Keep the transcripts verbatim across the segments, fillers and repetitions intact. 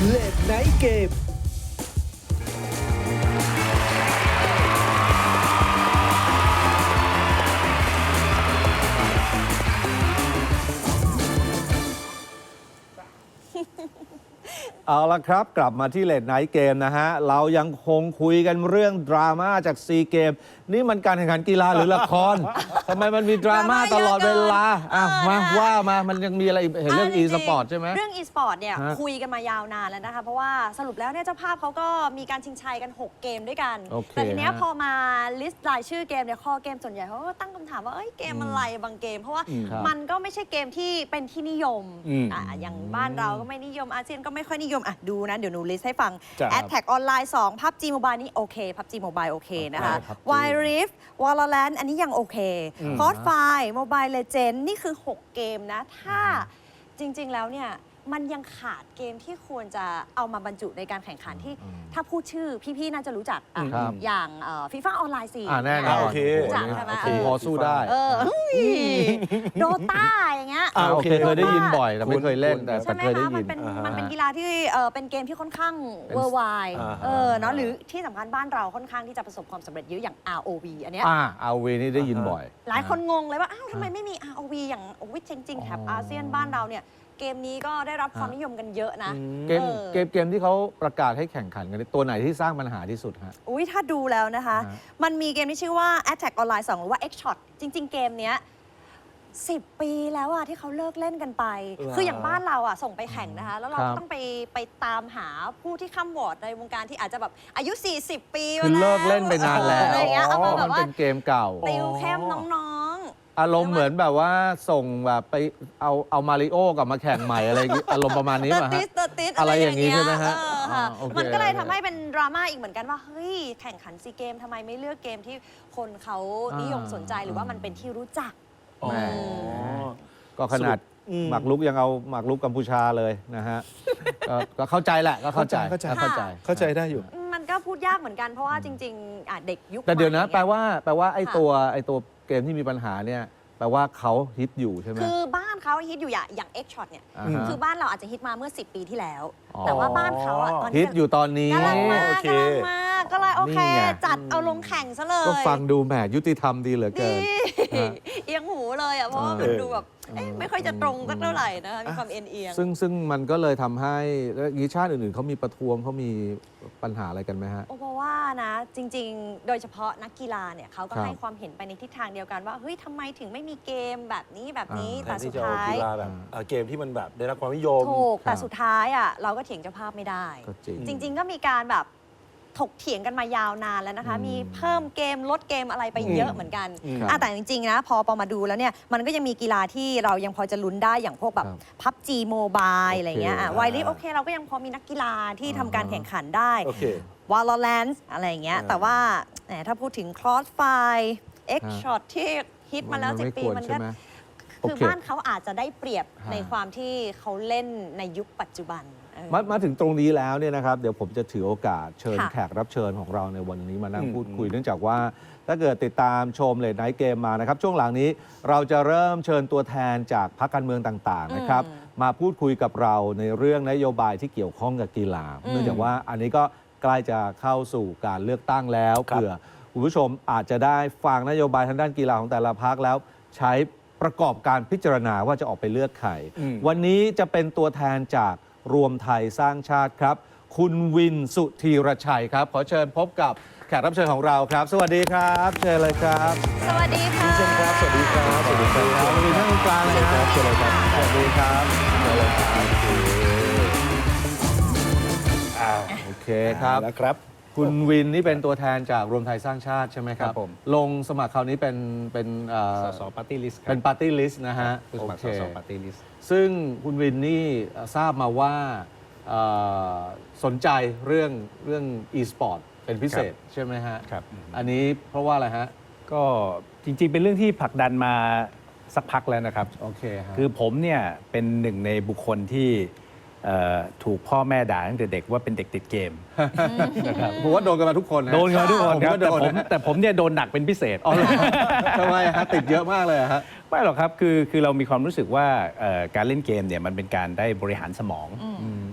เลดไนท์เกมเอาละครับกลับมาที่เลดไนท์เกมนะฮะเรายังคงคุยกันเรื่องดราม่าจากซีเกมนี่มันการแข่งขันกีฬาหรือละคร ทำไมมันมีดราม่าตลอดเวลาอ่ะมาว่ามามันยังมีอะไรเห็นเรื่อง e สปอร์ตใช่ไหมเรื่อง e สปอร์ตเนี่ยฮะคุยกันมายาวนานแล้วนะคะเพราะว่าสรุปแล้วเนี่ยเจ้าภาพเขาก็มีการชิงชัยกัน หก เกมด้วยกันโอเคแต่ทีเนี้ยฮะพอมาลิสต์รายชื่อเกมเนี่ยข้อเกมส่วนใหญ่เขาก็ตั้งคำถามว่าเอ้ยเกมอะไรบางเกม เพราะว่าอืมครับมันก็ไม่ใช่เกมที่เป็นที่นิยมอืมอ่ะอย่างบ้านเราก็ไม่นิยมอาเซียนก็ไม่ค่อยนิยมอ่ะดูนะเดี๋ยวหนูลิสต์ให้ฟังจ้ะ Attack Online สอง พับจี Mobile นี่โอเค พับจี Mobile โอเคนะคะโอเค พับจี Wild Rift Valorant อันนี้ยังโอเคอืม Crossfire Mobile Legends นี่คือ หก เกมนะ ถ้าจริง ๆ แล้วเนี่ย มันยังขาดเกมที่ควรจะเอามาบรรจุในการแข่งขันที่ถ้าพูดชื่อพี่ ๆ น่าจะรู้จักอ่ะครับอย่างฟีฟ่าออนไลน์สี่อ่าแน่นอนโอเครู้จักใช่ไหมโอเคเออพอสู้ได้เออโดต้าอย่างเงี้ยอ่าโอเคโอเคเคยได้ยินบ่อยแต่ไม่เคยเล่นคุ้นๆแต่ใช่ไหมเคยได้คะ มัยินนเป็นอ่าฮะมันเป็นกีฬาที่เออเป็นเกมที่ค่อนข้างเป็นเวอร์ไวอ่าฮะเออเนาะหรือที่สำคัญบ้านเราค่อนข้างที่จะประสบความสำเร็จเยอะอย่าง อาร์ โอ วี อันเนี้ยอ่าเอาวีนี่ได้ยินบ่อยหลายคนงงเลยว่า อ้าวทำไมไม่มี อาร์ โอ วี อย่างโอ้ยจริงๆแถบอาเซียนบ้านเราเนี่ยเกมนี้ก็ได้รับความนิยมกันเยอะนะเกมเออเกมเกมที่เขาประกาศให้แข่งขันกันนี่ตัวไหนที่สร้างปัญหาที่สุดฮะอุ้ยถ้าดูแล้วนะคะฮะมันมีเกมที่ชื่อว่า Attack Online สอง หรือว่า X-Shot จริง ๆ เกมเนี้ยสิบ ปีแล้วอะที่เขาเลิกเล่นกันไปเหรอคืออย่างบ้านเราอะส่งไปแข่งนะคะ แล้วเราครัก็บต้องไปไปตามหาผู้ที่ข้ามวอร์ดในวงการที่อาจจะแบบอายุ สี่สิบ ปีคือเลิกเล่นไปนานแล้วอะไรอย่างเงี้ยเอามาแบบมันว่าเป็นเกมเก่าติวเข้มน้องอารมณ์เหมือนแบบว่าส่งแบบไปเอาเอามาริโอกลับมาแข่งใหม่อะไรอย่างงี้อารมณ์ประมาณๆนี้เตอป่ะร์ติฮะสเตอร์ติสอะไรอย่างงี้ใช่ไหมฮะเออค่ะอ๋อโอเคมันก็เลยโอเคทำให้เป็นดราม่าอีกเหมือนกันว่า เฮ้ย แข่งขันซีเกมทำไมไม่เลือกเกมที่คนเขานิยมสนใจหรือว่ามันเป็นที่รู้จักอ๋อแหม ก็ขนาดอืมหมากรุกยังเอาหมากรุกกัมพูชาเลยนะฮะ ก็ก็เข้าใจแหละก็เข้าใจเข้าใจเข้าใจเข้าใจได้อยู่มันก็พูดยากเหมือนกันเพราะว่าจริงๆอ่ะเด็กยุคแต่เดี๋ยวนะใหม่แปลว่าแปลว่าไอ้ค่ะตัวไอ้ตัวเกมที่มีปัญหาเนี่ยแปลว่าเขาฮิตอยู่ใช่ไหมคือบ้านเขาฮิตอยู่อย่างอย่าง X Shot เนี่ยอ่าฮะคือบ้านเราอาจจะฮิตมาเมื่อ สิบ ปีที่แล้วอ๋อแต่ว่าบ้านเขาอ่ะตอนฮินี้ตอยู่ตอนนี้กำลังมาโอเคกำลังมาก็เลยโอเคนี่ไงจัดเอาลงแข่งซะเลยก็ฟังดูแหมยุติธรรมดีเหลือเกิดีน ฮะเอียงหูเลยอ่ะเพราะว่ามันเออดูแบบเอ๊ะไม่ค่อยจะตรงสักเท่าไหร่นะคะมีความเอ็นเอียงซึ่งซึ่งมันก็เลยทำให้แล้วอย่างนี้ชาติอื่นๆเขามีประท้วงเขามีปัญหาอะไรกันไหมฮะโอ้เพราะว่านะจริง ๆ โดยเฉพาะนักกีฬาเนี่ยเขาก็ครับให้ความเห็นไปในทิศทางเดียวกันว่าเฮ้ยทำไมถึงไม่มีเกมแบบนี้แบบนี้อ่าแทแต่นสุที่ดจะเอาท้ายกีฬาแบบเอ่อเกมที่มันแบบได้รับความนิยมถูกแต่ครับสุดท้ายอ่ะเราก็เถียงเจ้าภาพไม่ได้ก็จริงจริง ๆ ก็มีการแบบถกเถียงกันมายาวนานแล้วนะคะอืมมีเพิ่มเกมลดเกมอะไรไปเยอะเหมือนกันอืมอ่ะแต่จริง ๆ นะ พอปอมาดูแล้วเนี่ย มันก็ยังมีกีฬาที่เรายังพอจะลุ้นได้อย่างพวกแบบครับพับจีโมบายอะไรเงี้ยอ่ะโอเคไวลิฟโอเค เราก็ยังพอมีนักกีฬาที่ทำการแข่งขันได้โอเค Valorant อะไรอย่างเงี้ยอ่าแต่ว่าแหมถ้าพูดถึง Crossfire X ฮะ Shot ที่ฮิตมาแล้วสิบไปีมันควรก็ใช่ไหมคือโอเคบ้านเขาอาจจะได้เปรียบฮะในความที่เขาเล่นในยุคปัจจุบันเออมามาถึงตรงนี้แล้วเนี่ยนะครับเดี๋ยวผมจะถือโอกาสเชิญค่ะแขกรับเชิญของเราในวันนี้มานั่งอืมพูดคุยเนื่องจากว่า ถ้าเกิดติดตามชมเลดไนท์เกมมานะครับ ช่วงหลังนี้เราจะเริ่มเชิญตัวแทนจากพรรคการเมืองต่างๆนะครับอืมมาพูดคุยกับเราในเรื่องนโยบายที่เกี่ยวข้องกับกีฬาอืมเนื่องจากว่าอันนี้ก็ใกล้จะเข้าสู่การเลือกตั้งแล้วครับเผื่อคุณผู้ชมอาจจะได้ฟังนโยบายทางด้านกีฬาของแต่ละพรรคแล้วใช้ประกอบการพิจารณาว่าจะออกไปเลือกใครอืมวันนี้จะเป็นตัวแทนจากรวมไทยสร้างชาติครับ คุณวินสุธีรชัยครับ ขอเชิญพบกับแขกรับเชิญของเราครับ สวัสดีครับ เชิญเลยครับสวัสดีค่ะคุณผู้ชมครับ สวัสดีครับ สวัสดีครับคุณวินท่านตรงกลางเลยครับเชิญเลยครับสวัสดีครับเชิญเลยครับอ่าโอเคครับแล้วครับคุณวินนี่เป็นตัวแทนจากรวมไทยสร้างชาติใช่ไหมครับครับผมลงสมัครคราวนี้เป็นเป็นเอ่อสสปาร์ตี้ลิสต์เป็นปาร์ตี้ลิสต์นะฮะผู้สมัครโอสเคสปาร์ตี้ลิสต์ซึ่งคุณวินนี่เอ่อทราบมาว่าเอ่อสนใจเรื่องเรื่อง e-sport เป็นพิเศษใช่ไหมฮะครับอันนี้เพราะว่าอะไรฮะก็จริงๆ เป็นเรื่องที่ผลักดันมาสักพักแล้วนะครับโอเคฮะคือผมเนี่ยเป็นหนึ่งในบุคคลที่เอ่อถูกพ่อแม่ด่าตั้งแต่เด็กว่าเป็นเด็กติดเกมผมว่าโดนกันมาทุกคนนะโดนกันทุกคนครับผมก็โดแต่นผมนะแต่ผมเนี่ยโดนหนักเป็นพิเศษอ๋อเหรอทำไมฮะติดเยอะมากเลยฮะไม่หรอกครับคือคือเรามีความรู้สึกว่าเอ่อการเล่นเกมเนี่ยมันเป็นการได้บริหารสมอง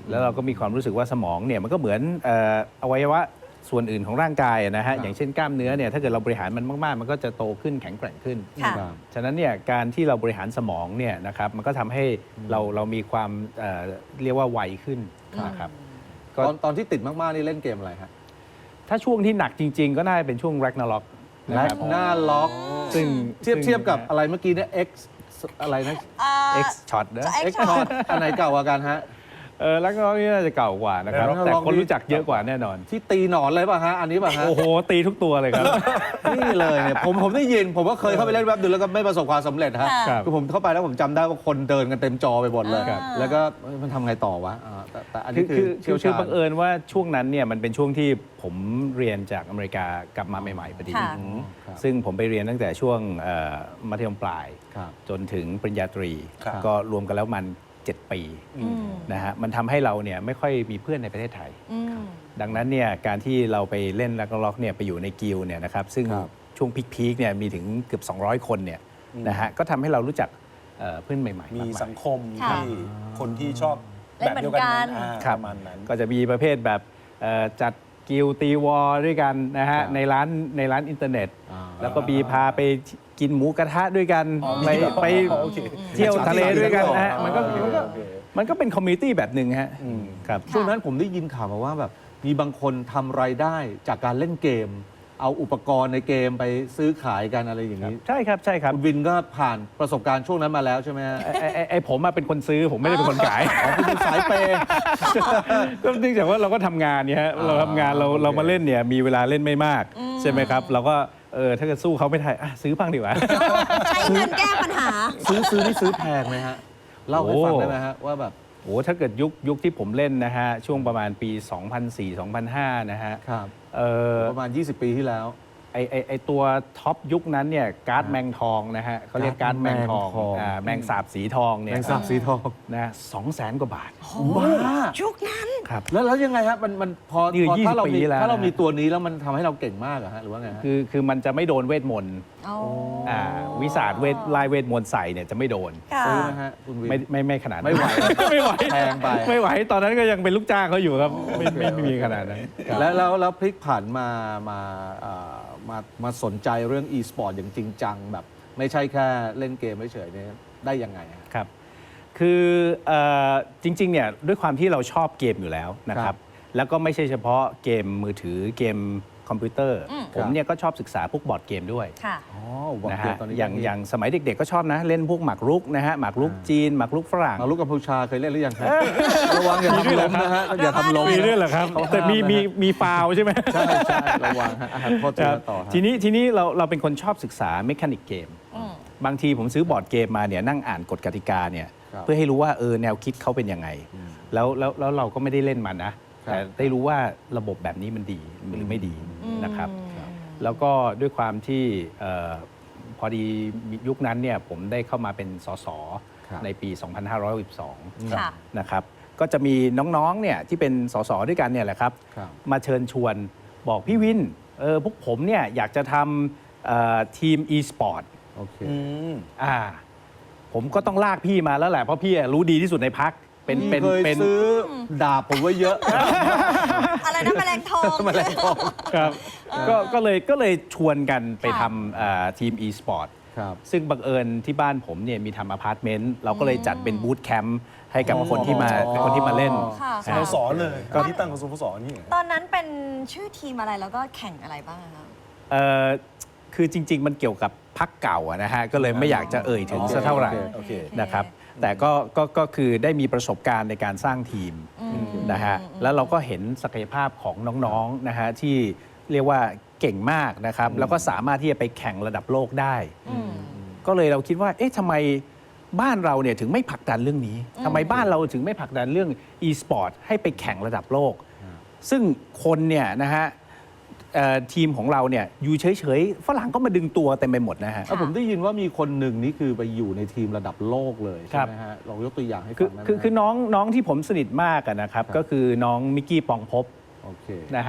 แล้วเราก็มีความรู้สึกว่าสมองเนี่ยมันก็เหมือนเอ่ออวัยวะส่วนอื่นของร่างกายนะฮะอย่างเช่นกล้ามเนื้อเนี่ยถ้าเกิดเราบริหารมันมากๆ มันก็จะโตขึ้นแข็งแกร่งขึ้นค่ะครับฉะนั้นเนี่ยการที่เราบริหารสมองเนี่ยนะครับมันก็ทำให้เราเรามีความเอ่อเรียกว่าไวขึ้นนะครับ ก็ตอนตอนที่ติดมากๆนี่เล่นเกมอะไรฮะถ้าช่วงที่หนักจริง ๆ ก็น่าจะเป็นช่วง Ragnarok นะแล็ครักบหน้าล็อกซึ่งเทียบซึ่งเทียบกับอะไรเมื่อกี้เนี่ย X อะไรนะเอ่อ X Shot นะจะ X Shot อันไหนเก่ากว่ากันฮะเออแล้วก็นี่น่าจะเก่ากว่านะครับ Ragnarok แต่คนนี่รู้จักเยอะกว่าแน่นอนที่ตีหนอนเลยป่ะฮะ อันนี้ป่ะฮะโอ้โห ตีทุกตัวเลยครับนี่เลยเนี่ยผมผมได้ยิน ผมก็เคยเข้าไปเล่นแว็บนึงแล้วก็ไม่ประสบความสำเร็จฮะค่ะคือผมเข้าไปแล้วผมจำได้ว่าคนเดินกันเต็มจอไปหมดเลยครับแล้วก็เอ้ยมันทำไงต่อวะอ่าแต่แต่อันคืนี้อคือคือเชี่คืยวอคือชาญบังเอิญว่าช่วงนั้นเนี่ยมันเป็นช่วงที่ผมเรียนจากอเมริกากลับมาใหม่ๆพอดีค่ะอืมครับซึ่งผมไปเรียนตั้งแต่ช่วงเอ่อมัธยมปลายครับจนถึงปริญญาตรีครับก็รวมกันแล้วมันเจ็ดปีอืมนะฮะมันทำให้เราเนี่ยไม่ค่อยมีเพื่อนในประเทศไทยอืมดังนั้นเนี่ยการที่เราไปเล่นแร็กล็อกเนี่ยไปอยู่ในกิลด์เนี่ยนะครับซึ่งครับช่วงพีคๆเนี่ยมีถึงเกือบ สองร้อย คนเนี่ยนะฮะก็ทำให้เรารู้จักเอ่อเพื่อนใหม่ๆมีมากมายสังคมค่ะที่คนที่ชอบเล่นเหมือนกันอ่าครับประมาณนั้นก็จะมีประเภทแบบเอ่อจัดกิลด์ตีวอลด้วยกันนะฮะครับในร้านในร้านอินเทอร์เน็ตอ่าแล้วก็มีพาไปกินหมูกระทะด้วยกันอ๋อไปมีเหรอไปโอเคเที่ยวทะเลด้วยกันนะฮะอ๋อมันก็มันก็โอเคมันก็เป็นคอมมูนิตี้แบบหนึ่งฮะครับช่วงนั้นผมได้ยินข่าวมาว่าแบบมีบางคนทำรายได้จากการเล่นเกม เอาอุปกรณ์ในเกมไปซื้อขายกันอะไรอย่างนี้ใช่ครับใช่ครับคุณวินก็ผ่านประสบการณ์ช่วงนั้นมาแล้วใช่ไหมฮะไอ้ไอ้ไอ้ผมอะเป็นคนซื้อผมไม่ได้เป็นคนขายอ๋อคุณเป็นสายเปย์ก็เนื่องจากว่าเราก็ทำงานเนี่ยฮะอ่าเราทำงานเราโอเคเรามาเล่นเนี่ยมีเวลาเล่นไม่มาก ใช่ไหมครับ เราก็เออถ้าเกิดสู้เขาไม่ได้อ่ะซื้อบ้างดีกว่าใช้เงินแก้ปัญหาซื้อซื้อนี่ซื้อแพงไหมฮะเล่าให้ฟังโอ้ได้ไหมฮะว่าแบบโอ้ถ้าเกิดยุคยุคที่ผมเล่นนะฮะ ช่วงประมาณปี สองพันสี่ สองพันห้า นะฮะครับเออประมาณ ยี่สิบ ปีที่แล้วไอไอไอตัวท็อปยุคนั้นเนี่ยการ์ดแมงทองนะฮะเขาเรียกการ์ดแมงทองแมงทองอ่าแมงสาบสีทองเนี่ยแมงสาบสีทองนะสองแสนกว่าบาทบ้ายุคนั้นครับแล้วแล้วยังไงฮะมันมันพอนี่พอยี่สิบถ้าเรามีปีแล้วถ้าเรานะมีตัวนี้แล้วมันทำให้เราเก่งมากเหรอฮะหรือว่าไงฮะคือคือมันจะไม่โดนเวทมนต์อ๋ออ่าวิสาดเวทลายเวทมนต์ใส่เนี่ยจะไม่โดนค่ะซื้อไหมฮะคุณวินไม่ไม่ไม่ขนาดนั้นไม่ไหวไม่ไหวแพงไปไม่ไหวตอนนั้นก็ยังเป็นลูกจ้างเขาอยู่ครับ ไม่ไม่ไม่มีขนาดนั้นแล้วแล้วแล้วพลิกผันมามาเอ่อมามาสนใจเรื่อง e-sport อย่างจริงจังแบบไม่ใช่แค่เล่นเกมเฉยๆเนี่ยได้ยังไงฮะครับ คือเอ่อจริงๆเนี่ยด้วยความที่เราชอบเกมอยู่แล้วนะคครัรับ บ แล้วก็ไม่ใช่เฉพาะเกมมือถือเกมคอมพิวเตอร์อืมผมเนี่ยก็ชอบศึกษาพวกบอร์ดเกมด้วยค่ะอ๋อบอกนะเกมฮะตอนนี้อย่างอย่างสมัยเด็กๆก็ชอบนะ เล่นพวกหมากรุกนะฮะหมากรุกจีนหมากรุกฝรั่งมาลูกกัมพูชาเคยเล่นหรือยังครับระวังอย่าทำล้มนะฮะอย่าทำล้มมีนะด้วยเหรอครับเขาห้ามแต่มีนะมีมีฟาวล์ใช่ไหมใช่ใช่ระวังฮะอ่ะโทษทีครับนะต่อฮะทีนี้ทีนี้เราเราเป็นคนชอบศึกษาเมคานิกเกมอืมบางทีผมซื้อบอร์ดเกมมาเนี่ยนั่งอ่านกฎกติกาเนี่ยครับเพื่อให้รู้ว่าเออแนวคิดเขาเป็นยังไง แล้วแล้วแล้วเราก็ไม่ได้เล่นมันนะครับแต่ได้รู้ว่าระบบแบบนี้มันดีหรือไม่ดีนะครับอืมแล้วก็ด้วยความที่เออพอดียุคนั้นเนี่ยผมได้เข้ามาเป็นสสครับในปี สองพันห้าร้อยหกสิบสองค่ะนะครับก็จะมีน้องๆเนี่ยที่เป็นสสด้วยกันเนี่ยแหละครับครับมาเชิญชวนบอกพี่วินเออพวกผมเนี่ยอยากจะทำเอ่อทีม e-sport โอเคอืมอ่าผมก็ต้องลากพี่มาแล้วแหละ เพราะพี่รู้ดีที่สุดในพักเป็นเป็นเคยเป็นซื้อดาบผมไว้เยอะอะไรนะแมลงทองแมลงทองครับก็ก็เลยก็เลยชวนกันไปค่ะทำเอ่อทีม e-sport ครับซึ่งบังเอิญที่บ้านผมเนี่ยมีทำอพาร์ตเมนต์เราก็เลยจัดเป็นบูธแคมป์ให้กับคนที่มาอ๋อคนที่มาเล่นค่ะสโมสรเลยตอนที่ตั้งของสโมสรนี่ตอนนั้นเป็นชื่อทีมอะไรแล้วก็แข่งอะไรบ้างอะคะเอ่อคือจริง ๆ มันเกี่ยวกับพักเก่าอะนะฮะก็เลยไม่อยากจะเอ่ยถึงสักเท่าไหร่โอเคนะครับแต่ก็ก็ก็คือได้มีประสบการณ์ในการสร้างทีมนะฮะแล้วเราก็เห็นศักยภาพของน้องๆนะฮะที่เรียกว่าเก่งมากนะครับแล้วก็สามารถที่จะไปแข่งระดับโลกได้อืมก็เลยเราคิดว่าเอ๊ะทำไมบ้านเราเนี่ยถึงไม่ผลักดันเรื่องนี้ทำไมบ้านเราถึงไม่ผลักดันเรื่อง e-sport ให้ไปแข่งระดับโลก ซึ่งคนเนี่ยนะฮะเอ่อทีมของเราเนี่ยอยู่เฉยๆฝรั่งก็มาดึงตัวเต็มไปหมดนะฮะอ่ะผมได้ยินว่ามีคนหนึ่งนี่คือไปอยู่ในทีมระดับโลกเลยคใช่รับไหมฮะลองยกตัวอย่างให้คืฟัองได้ไหมคือคือน้องน้องที่ผมสนิทมากอะนะครับครับก็คือน้องมิกกี้ปองภพโอเคนะฮะ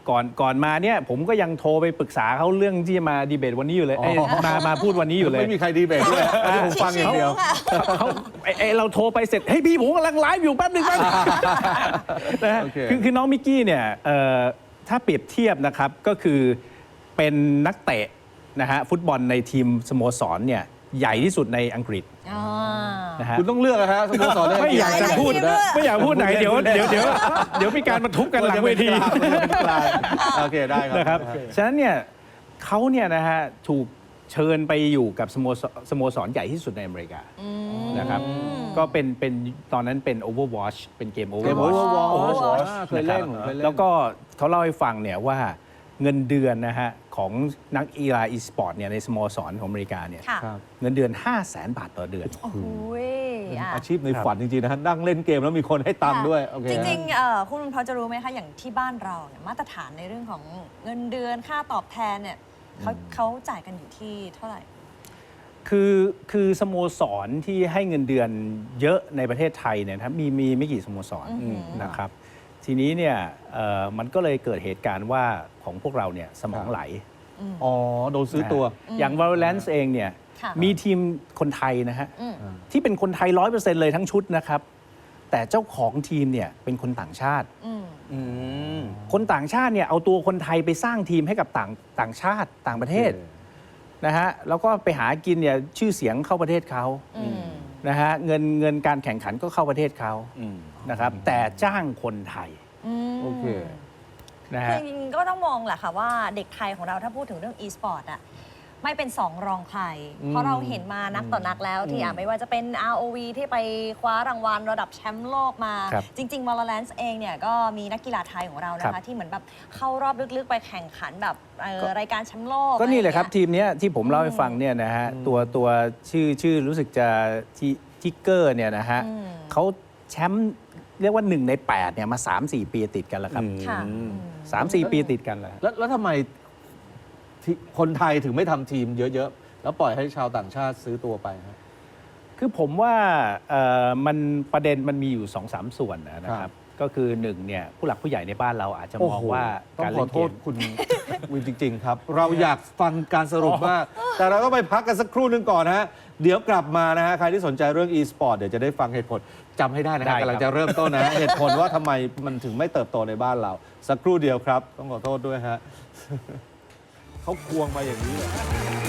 ก่อนก่อนมาเนี่ยผมก็ยังโทรไปปรึกษาเขาเรื่องที่จะมาดีเบตวันนี้อยู่เลยเอ้ยมามาพูดวันนี้อยู่เลยไม่มีใครดีเบตด้วยผมฟังอย่างเดียวเขาไอ้ไอ้เราโทรไปเสร็จเฮ้ยพี่ผมกำลังไลฟ์อยู่แป๊บหนึงแป๊บหนึงนะฮะโอเคคือคือน้องมิกกี้เนี่ยเอ่อถ้าเปรียบเทียบนะครับก็คือเป็นนักเตะนะฮะฟุตบอลในทีมสโมสรเนี่ยใหญ่ที่สุดในอังกฤษอ่านะฮะคุณต้องเลือกนะฮะสโมสรเนี่ยไม่อยากจะพูดหลายทีมด้วยไม่อยากพูดไหนเดี๋ยวเดี๋ยวเดี๋ยวเดี๋ยวมีการมาทุบกันหลังเวทีโอเคได้ครับนะครับ ฉะนั้นเนี่ยเขาเนี่ยนะฮะถูกเชิญไปอยู่กับสโมสรสโมสรใหญ่ที่สุดในอเมริกานะครับ ก็เป็นเป็นตอนนั้นเป็น Overwatch เป็นเกมเกม Overwatch Overwatch Overwatch เคยเล่นผมเคยเล่นแล้วก็เขาเล่าให้ฟังเนี่ยว่าเงินเดือนนะฮะของนักกีฬาอีสปอร์ตเนี่ยในสโมสรของอเมริกาเนี่ยค่ะครับเงินเดือน ห้าแสน บาทต่อเดือนโอ้โหอ่ะอาชีพในฝันจริงๆนะฮะนั่งเล่นเกมแล้วมีคนให้ตังค์ด้วยโอเคจริงๆเอ่อคุณพอจะรู้ไหมคะ อย่างที่บ้านเราเนี่ยมาตรฐานในเรื่องของเงินเดือนค่าตอบแทนเนี่ยเขาเขาจ่ายกันอยู่ที่เท่าไหร่คือคือสโมสรที่ให้เงินเดือนเยอะในประเทศไทยเนี่ยนะครับมีมีไม่กี่สโมสรอือหือนะครับ ทีนี้เนี่ยเอ่อมันก็เลยเกิดเหตุการณ์ว่าของพวกเราเนี่ยสมองไหลอ๋อโดนซื้อตัวนะฮะอย่าง Valorant เองเนี่ยค่ะมีทีมคนไทยนะฮะอืมที่เป็นคนไทยร้อยเปอร์เซ็นต์เลยทั้งชุดนะครับ แต่เจ้าของทีมเนี่ยเป็นคนต่างชาติอืมอืมคนต่างชาติเนี่ยเอาตัวคนไทยไปสร้างทีมให้กับต่างต่างชาติต่างประเทศนะฮะแล้วก็ไปหากินเนี่ยชื่อเสียงเข้าประเทศเขาอืมนะฮะเงินเงินการแข่งขันก็เข้าประเทศเขาอืมนะครับ แต่จ้างคนไทยมโอเคนะคือฮะจริงๆก็ต้องมองแหละค่ะว่าเด็กไทยของเราถ้าพูดถึงเรื่อง e-sport อะไม่เป็นสองรองใครอืมเพราะเราเห็นมานักต่อนักแล้วที่อ่ะไม่ว่าจะเป็น อาร์ โอ วี ที่ไปคว้ารางวัลระดับแชมป์โลกมาครับจริง ๆ Valorant เองเนี่ยก็มีนักกีฬาไทยของเรานะครัคะบที่เหมือนแบบเข้ารอบลึกๆ ไปแข่งขันแบบเอ่อก็รายการแชมป์โลกก็นี่แหละครับอไอย่างทีมเนี้ยที่ผมเล่าให้ฟังเนี่ยนะฮะตัวตัวชื่อชื่อรู้สึกจะทิทิกเกอร์เนี่ยนะฮะอืมเขาแชมป์เรียกว่าหนึ่งในแปดเนี่ยมา สามสี่ ปีติดกันแล้วครับอืมค่ะสามสี่ ปีติดกันแล้วแล้วแล้วทำไมที่คนไทยถึงไม่ทำทีมเยอะๆ แล้วปล่อยให้ชาวต่างชาติซื้อตัวไปฮะคือผมว่าเอ่อมันประเด็นมันมีอยู่สองสามส่วนนะคครัรับบก็คือหนึ่งเนี่ยผู้หลักผู้ใหญ่ในบ้านเราอาจจะมองว่าต้อการงขเล่อน โทเกษมคุณ วินจริง ๆ ครับ เราอยากฟังการสรุปมาก แต่เราต้องไปพักกันสักครู่หนึงก่อนนะฮะ เดี๋ยวกลับมานะฮะ ใครที่สนใจเรื่อง e-sport เดี๋ยวจะได้ฟังเหตุผลจำให้ได้นะได้ฮะครับกำลังจะเริ่มต้นนะฮะ เหตุผลว่าทำไมมันถึงไม่เติบโตในบ้านเรา สักครู่เดียวครับ ต้องขอโทษด้วยฮะ เขาควงมาอย่างนี้เลย